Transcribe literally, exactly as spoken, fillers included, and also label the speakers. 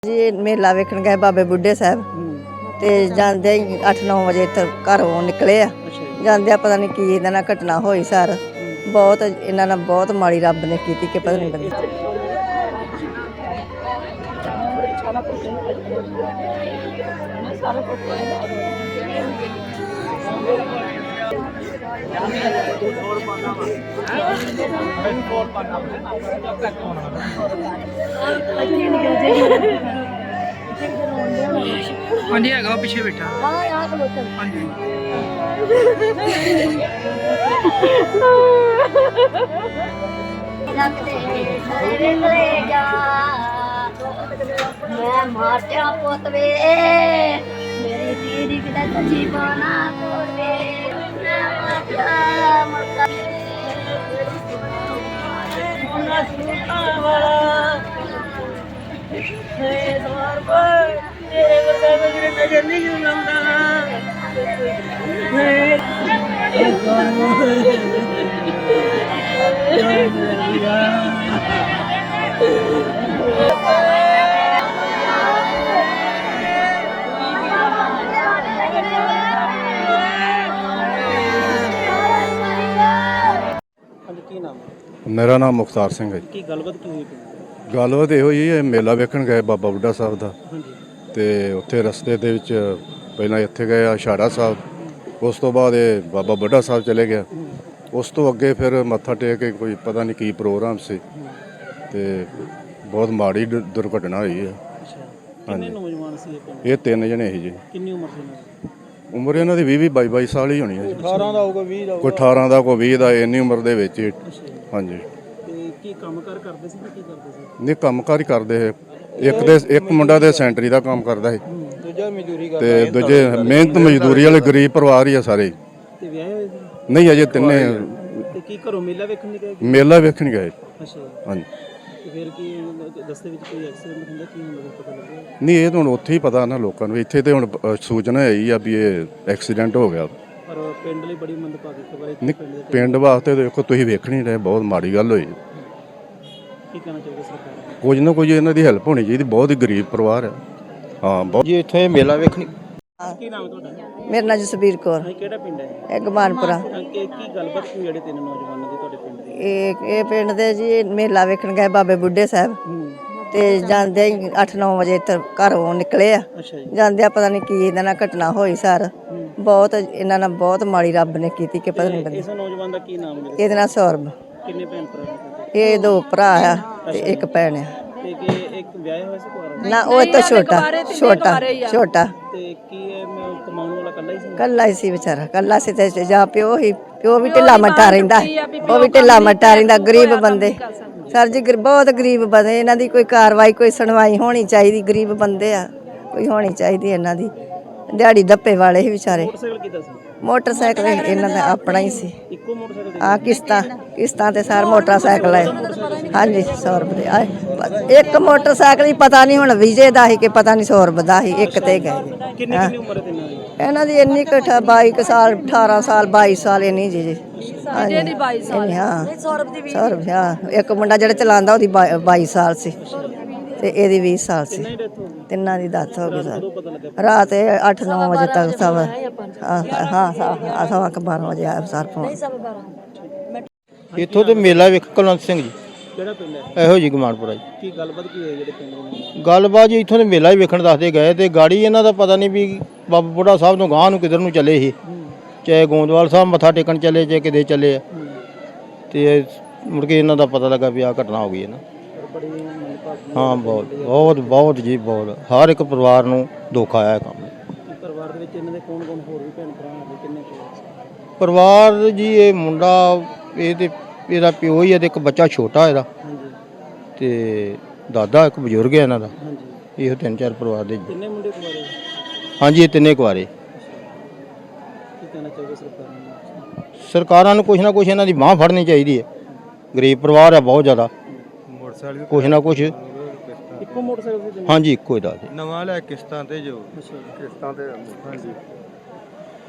Speaker 1: ਜੀ ਮੇਲਾ ਵੇਖਣ ਗਏ ਬਾਬੇ ਬੁੱਢੇ ਸਾਹਿਬ ਤੇ ਜਾਂਦੇ ਹੀ ਅੱਠ ਨੌ ਵਜੇ ਇੱਥੇ ਘਰੋਂ ਨਿਕਲੇ ਆ। ਜਾਂਦੇ ਪਤਾ ਨਹੀਂ ਕੀ ਇਹਨਾਂ ਨਾਲ ਘਟਨਾ ਹੋਈ ਸਰ। ਬਹੁਤ ਇਹਨਾਂ ਨਾਲ ਬਹੁਤ ਮਾੜੀ ਰੱਬ ਨੇ ਕੀਤੀ ਕਿ ਪਤਾ ਨਹੀਂ ਬੰਦੇ
Speaker 2: ਹਾਂਜੀ ਹੈਗਾ ਪਿੱਛੇ ਬੈਠਾ।
Speaker 1: ਹਾਂ ਯਾਰ ਖਲੋਤਾ
Speaker 2: ਹਾਂਜੀ
Speaker 3: ਮੈਂ ਮਾਰਿਆ ਪੁੱਤ ਵੇ ਮੇਰੀ ਦੀਦੀ ਕਿਤੇ ਸੱਚੀ ਬਾਣਾ ਕੋਲੇ ਮੈਂ ਮਾਰਿਆ ਮਰਦਾ ਉਹਨਾਂ ਸੁਣਾਵਾ ਵਾਲਾ ਹੈ ਦਵਾਰ ਪਰ ਤੇਰੇ ਵਰਗਾ ਮੇਰੇ ਨਜ਼ਰ ਨਹੀਂ ਆਉਂਦਾ ਹੈ ਇਹ
Speaker 4: ਮੇਰਾ ਨਾਮ ਮੁਖਤਾਰ ਸਿੰਘ ਹੈ।
Speaker 2: ਕੀ ਗੱਲਬਾਤ ਕੀ ਹੋਈ?
Speaker 4: ਗੱਲਬਾਤ ਇਹੋ ਹੀ ਹੈ, ਮੇਲਾ ਵੇਖਣ ਗਏ ਬਾਬਾ ਬੁੱਢਾ ਸਾਹਿਬ ਦਾ
Speaker 2: ਹਾਂਜੀ
Speaker 4: ਤੇ ਉੱਥੇ ਰਸਤੇ ਦੇ ਵਿੱਚ ਪਹਿਲਾਂ ਇੱਥੇ ਗਏ ਆ ਛਾੜਾ ਸਾਹਿਬ, ਉਸ ਤੋਂ ਬਾਅਦ ਇਹ ਬਾਬਾ ਬੁੱਢਾ ਸਾਹਿਬ ਚਲੇ ਗਿਆ। ਉਸ ਤੋਂ ਅੱਗੇ ਫਿਰ ਮੱਥਾ ਟੇਕ ਕੇ ਕੋਈ ਪਤਾ ਨਹੀਂ ਕੀ ਪ੍ਰੋਗਰਾਮ ਸੀ ਤੇ ਬਹੁਤ ਮਾੜੀ ਦੁ- ਦੁਰਘਟਨਾ ਹੋਈ ਹੈ।
Speaker 2: ਕਿੰਨੇ ਨੌਜਵਾਨ ਸੀ ਇਹ ਪਿੰਡ?
Speaker 4: ਇਹ ਤਿੰਨ ਜਣੇ ਸੀ ਜੀ।
Speaker 2: ਕਿੰਨੀ ਉਮਰ ਸੀ ਇਹਨਾਂ ਦੀ?
Speaker 4: ਉਮਰ ਇਹਨਾਂ ਦੀ ਵੀਹ ਵੀਹ ਬਾਈ ਬਾਈ ਸਾਲ ਹੀ ਹੋਣੀ ਹੈ ਜੀ।
Speaker 2: ਅਠਾਰਾਂ ਦਾ ਹੋਊਗਾ, ਵੀਹ ਦਾ
Speaker 4: ਕੋਈ ਅਠਾਰਾਂ ਦਾ ਕੋਈ ਵੀਹ ਦਾ, ਇੰਨੀ ਉਮਰ ਦੇ ਵਿੱਚ ਹੀ। ਹਾਂਜੀ
Speaker 2: ਤੇ ਕੀ ਕੰਮ ਕਾਰ ਕਰਦੇ ਸੀ ਤੇ ਕੀ ਕਰਦੇ ਸੀ?
Speaker 4: ਨਹੀਂ ਕੰਮਕਾਰ ਹੀ ਕਰਦੇ ਹੈ। ਇੱਕ ਦੇ ਇੱਕ ਮੁੰਡਾ ਦੇ ਸੈਂਟਰੀ ਦਾ ਕੰਮ ਕਰਦਾ ਹੈ
Speaker 2: ਦੂਜਾ ਮਜ਼ਦੂਰੀ
Speaker 4: ਤੇ ਦੂਜੇ ਮਿਹਨਤ ਮਜ਼ਦੂਰੀ ਵਾਲੇ ਗਰੀਬ ਪਰਿਵਾਰ ਹੀ ਆ ਸਾਰੇ।
Speaker 2: ਤੇ ਵਿਆਹੇ ਹੋਏ ਸੀ?
Speaker 4: ਨਹੀਂ ਅਜੇ ਤਿੰਨੇ
Speaker 2: ਤੇ ਕੀ ਘਰੋਂ ਮੇਲਾ ਵੇਖਣ ਨਹੀਂ ਗਏ?
Speaker 4: ਮੇਲਾ ਵੇਖਣ ਗਏ।
Speaker 2: ਅੱਛਾ।
Speaker 4: ਹਾਂਜੀ
Speaker 2: ਤੇ ਫਿਰ ਕੀ ਰਸਤੇ ਵਿੱਚ ਕੋਈ ਐਕਸੀਡੈਂਟ ਹੁੰਦਾ ਕੀ ਹੁੰਦਾ ਕੁਛ ਪਤਾ ਲੱਗਿਆ?
Speaker 4: ਨਹੀਂ ਇਹ ਤਾਂ ਹੁਣ ਉੱਥੇ ਹੀ ਪਤਾ ਨਾ ਲੋਕਾਂ ਨੂੰ। ਇੱਥੇ ਤੇ ਹੁਣ ਅ, ਸੂਚਨਾ ਆਈ ਆ ਵੀ ਇਹ ਐਕਸੀਡੈਂਟ ਹੋ ਗਿਆ।
Speaker 2: ਪਰ ਪਿੰਡ ਲਈ ਬੜੀ ਮੰਦਭਾਗੀ ਖਬਰ ਹੈ।
Speaker 4: ਨਹੀਂ
Speaker 2: ਪਿੰਡ ਦੇ
Speaker 4: ਪਿੰਡ ਵਾਸਤੇ ਦੇਖੋ ਤੁਸੀਂ ਵੇਖ ਨਹੀਂ ਰਹੇ, ਬਹੁਤ ਮਾੜੀ ਗੱਲ ਹੋਈ।
Speaker 2: ਕੀ ਕਹਿਣਾ ਚਾਹੀਦਾ ਸਰਕਾਰ ਨੂੰ?
Speaker 4: ਕੁਝ ਨਾ ਕੁਝ ਇਹਨਾਂ ਦੀ ਹੈਲਪ ਹੋਣੀ ਚਾਹੀਦੀ, ਬਹੁਤ ਹੀ ਗਰੀਬ ਪਰਿਵਾਰ ਹੈ। ਹਾਂ ਬਹੁਤ
Speaker 5: ਜੀ ਇੱਥੇ ਮੇਲਾ ਵੇਖਣੀ।
Speaker 2: ਕੀ ਨਾਮ ਹੈ ਤੁਹਾਡਾ?
Speaker 1: ਮੇਰਾ ਨਾਂ ਜਸਬੀਰ ਕੌਰ
Speaker 2: ਹਾਂ, ਕਿਹੜਾ ਪਿੰਡ ਹੈ?
Speaker 1: ਇਹ ਗਮਾਨਪੁਰਾ।
Speaker 2: ਹਾਂ, ਕੀ ਕੀ ਗੱਲਬਾਤ ਕੀ ਜਿਹੜੇ ਤਿੰਨ ਨੌਜਵਾਨਾਂ ਦੀ ਤੁਹਾਡੇ ਪਿੰਡ ਦੀ?
Speaker 1: ਇਹ ਇਹ ਪਿੰਡ ਦੇ ਜੀ ਮੇਲਾ ਵੇਖਣ ਗਏ ਬਾਬੇ ਬੁੱਢੇ ਸਾਹਿਬ
Speaker 2: ਹੂੰ।
Speaker 1: ਤੇ ਜਾਂਦੇ ਹੀ ਅੱਠ ਨੌ ਵਜੇ ਇੱਥੇ ਘਰੋਂ ਨਿਕਲੇ ਆ।
Speaker 2: ਅੱਛਾ ਜੀ।
Speaker 1: ਜਾਂਦੇ ਪਤਾ ਨਹੀਂ ਕੀ ਇਹਨਾਂ ਨਾਲ ਘਟਨਾ ਹੋਈ ਸਰ। ਬਹੁਤ ਇਹਨਾਂ ਨਾਲ ਬਹੁਤ ਮਾੜੀ ਰੱਬ ਨੇ ਕੀਤੀ ਕਿ ਪਤਾ ਨਹੀਂ ਬੰਦੇ
Speaker 2: ਇਸ ਨੌਜਵਾਨ ਦਾ ਕੀ ਨਾਮ ਹੈ?
Speaker 1: ਇਹਦੇ ਨਾਲ ਸੌਰਭ।
Speaker 2: ਕਿੰਨੇ ਭੈਣ ਭਰਾ ਨੇ ਤੁਹਾਡੇ?
Speaker 1: ਇਹ ਦੋ ਭਰਾ ਆ ਤੇ ਇੱਕ ਭੈਣ ਆ।
Speaker 2: ਤੇ ਕਿ ਇੱਕ ਵਿਆਹਿਆ ਹੋਇਆ ਸੀ ਕੁਆਰਾ?
Speaker 1: ਨਾ ਉਹ ਤਾਂ ਛੋਟਾ ਛੋਟਾ ਛੋਟਾ
Speaker 2: ਤੇ ਕੀ ਇਹ ਮੈਂ ਕਮਾਉਣ ਵਾਲਾ ਇਕੱਲਾ ਹੀ ਸੀ?
Speaker 1: ਕੱਲਾ ਹੀ ਸੀ ਵਿਚਾਰਾ, ਕੱਲਾ ਸੀ ਤੇ ਜਾਂ ਪਿਓ ਹੀ, ਪਿਓ ਵੀ ਢਿੱਲਾ ਮੱਠਾ ਰਹਿੰਦਾ, ਉਹ ਵੀ ਢਿੱਲਾ ਮੱਠਾ ਰਹਿੰਦਾ। ਗਰੀਬ ਬੰਦੇ ਸਰ ਜੀ, ਗਰ- ਬਹੁਤ ਗਰੀਬ ਬੰਦੇ। ਇਹਨਾਂ ਦੀ ਕੋਈ ਕਾਰਵਾਈ ਕੋਈ ਸੁਣਵਾਈ ਹੋਣੀ ਚਾਹੀਦੀ। ਗਰੀਬ ਬੰਦੇ ਆ, ਕੋਈ ਹੋਣੀ ਚਾਹੀਦੀ ਇਹਨਾਂ ਦੀ। ਦਿਹਾੜੀ ਦੱਪੇ ਵਾਲੇ ਹੀ ਵਿਚਾਰੇ।
Speaker 2: ਮੋਟਰਸਾਈਕਲ ਕਿੱਦਾਂ ਸੀ?
Speaker 1: ਮੋਟਰਸਾਈਕਲ ਇਹਨਾਂ ਦਾ ਆਪਣਾ ਹੀ ਸੀ।
Speaker 2: ਇੱਕੋ ਮੋਟਰਸਾਈਕਲ?
Speaker 1: ਆ ਕਿਸ਼ਤਾਂ ਕਿਸ਼ਤਾਂ ਤੇ ਸਾਰ ਮੋਟਰਸਾਈਕਲ ਹੈ। ਹਾਂਜੀ ਸੌ ਰੁਪਏ ਆਏ। ਇੱਕ ਮੋਟਰਸਾਈਕਲ ਹੀ ਪਤਾ ਨਹੀਂ ਹੁਣ ਵਿਜੇ ਦਾ ਹੀ ਕਿ ਪਤਾ ਨਹੀਂ ਸੌ ਰੁਪਏ ਦਾ ਹੀ। ਇੱਕ ਤੇ ਗਏ
Speaker 2: ਕਿੰਨੀ ਕਿੰਨੀ ਉਮਰ ਹੈ ਤਿੰਨਾਂ ਦੀ?
Speaker 1: ਇਹਨਾਂ ਦੀ ਇੰਨੀ ਕੁ ਅਠਾ- ਬਾਈ ਕੁ ਸਾਲ, ਅਠਾਰਾਂ ਸਾਲ, ਬਾਈ ਸਾਲ ਇੰਨੀ ਜੀ ਜੀ। ਹਾਂਜੀ ਇੰਨੀ, ਹਾਂ ਸੌਰਭ। ਹਾਂ ਇੱਕ ਮੁੰਡਾ ਜਿਹੜਾ ਚਲਾਉਂਦਾ ਉਹਦੀ ਬਾ- ਬਾਈ ਸਾਲ ਸੀ ਤੇ ਇਹਦੀ ਵੀਹ ਸਾਲ ਸੀ।
Speaker 2: ਨਹੀਂ ਡੈਥ ਹੋ ਗਈ?
Speaker 1: ਤਿੰਨਾਂ ਦੀ ਦੱਸ ਹੋ ਗਈ ਸਰ।
Speaker 2: ਕਦੋਂ ਪਤਾ ਲੱਗਾ?
Speaker 1: ਰਾਤ ਇਹ ਅੱਠ ਨੌ ਵਜੇ ਤੱਕ ਸਭ ਹਾਂ ਹਾਂ ਹਾਂ ਸਵਾ ਕੁ ਬਾਰਾਂ ਵਜੇ ਆਇਆ ਸਰ ਫੋਨ।
Speaker 5: ਇੱਥੋਂ ਤੇ ਮੇਲਾ ਵੇਖ ਕੁਲਵੰਤ ਸਿੰਘ ਜੀ,
Speaker 2: ਕਿਹੜਾ ਪਿੰਡ ਹੈ?
Speaker 5: ਇਹੋ ਜੀ ਗਮਾਨਪੁਰਾ ਜੀ।
Speaker 2: ਕੀ ਗੱਲਬਾਤ ਕੀ ਹੋਈ ਜਿਹੜੇ ਪਿੰਡ ਦੇ?
Speaker 5: ਗੱਲਬਾਤ ਜੀ ਇੱਥੋਂ ਦੇ ਮੇਲਾ ਹੀ ਵੇਖਣ ਦੱਸਦੇ ਗਏ ਤੇ ਗਾੜੀ ਇਹਨਾਂ ਦਾ ਪਤਾ ਨਹੀਂ ਵੀ ਬਾਬਾ ਬੁੱਢਾ ਸਾਹਿਬ ਤੋਂ ਗਾਂਹ ਨੂੰ ਕਿੱਧਰ ਨੂੰ ਚੱਲੇ ਸੀ। ਚਾਹੇ ਗੋਂਦਵਾਲ ਸਾਹਿਬ ਮੱਥਾ ਟੇਕਣ ਚੱਲੇ, ਚਾਹੇ ਕਿਤੇ ਚੱਲੇ ਆ। ਤੇ ਮੁੜ ਕੇ ਇਹਨਾਂ ਦਾ ਪਤਾ ਲੱਗਾ ਵੀ ਆਹ ਘਟਨਾ ਹੋ ਗਈ ਹੈ ਨਾ।
Speaker 2: ਬੜੀ ਮੰਦਭਾਗੀ
Speaker 5: ਹਾਂ ਬਹੁਤ ਬਹੁਤ ਬਹੁਤ ਜੀ ਬਹੁਤ। ਹਰ ਇੱਕ ਪਰਿਵਾਰ ਨੂੰ ਦੁੱਖ ਆਇਆ ਇਹ ਕੰਮ।
Speaker 2: ਪਰਿਵਾਰ ਦੇ ਵਿੱਚ ਇਹਨਾਂ ਦੇ ਕੌਣ ਕੌਣ ਹੋਰ ਵੀ ਭੈਣ ਭਰਾ ਹੋਵੇ? ਕਿੰਨੇ ਕੁ?
Speaker 5: ਪਰਿਵਾਰ ਜੀ ਇਹ ਮੁੰਡਾ ਇਹ ਤੇ ਇਹਦਾ ਪਿਓ ਹੀ ਹੈ ਤੇ ਇੱਕ ਬੱਚਾ ਛੋਟਾ ਇਹਦਾ
Speaker 2: ਹਾਂਜੀ
Speaker 5: ਤੇ ਦਾਦਾ ਇੱਕ ਬਜ਼ੁਰਗ ਹੈ ਇਹਨਾਂ ਦਾ।
Speaker 2: ਹਾਂਜੀ।
Speaker 5: ਇਹੋ ਤਿੰਨ ਚਾਰ ਪਰਿਵਾਰ ਦੇ ਜੀ।
Speaker 2: ਕਿੰਨੇ ਮੁੰਡੇ ਕੁਆਰੇ?
Speaker 5: ਹਾਂਜੀ ਇਹ ਤਿੰਨੇ ਕੁਆਰੇ।
Speaker 2: ਕੀ ਕਹਿਣਾ ਚਾਹੀਦਾ ਸਰਕਾਰ ਨੂੰ?
Speaker 5: ਸਰਕਾਰਾਂ ਨੂੰ ਕੁਛ ਨਾ ਕੁਛ ਇਹਨਾਂ ਦੀ ਬਾਂਹ ਫੜਨੀ ਚਾਹੀਦੀ ਹੈ। ਗਰੀਬ ਪਰਿਵਾਰ ਹੈ ਬਹੁਤ ਜ਼ਿਆਦਾ। ਕੁਛ ਨਾ ਕੁਛ।
Speaker 2: ਇੱਕੋ ਮੋਟਰਸਾਈਕਲ ਸੀ?
Speaker 5: ਹਾਂਜੀ ਇੱਕੋ ਹੀ ਦਾ ਜੀ।
Speaker 4: ਨਵਾਂ ਲੈ ਕਿਸ਼ਤਾਂ ਤੇ ਜੋ
Speaker 2: ਅੱਛਾ।
Speaker 4: ਕਿਸ਼ਤਾਂ ਤੇ ਹਾਂਜੀ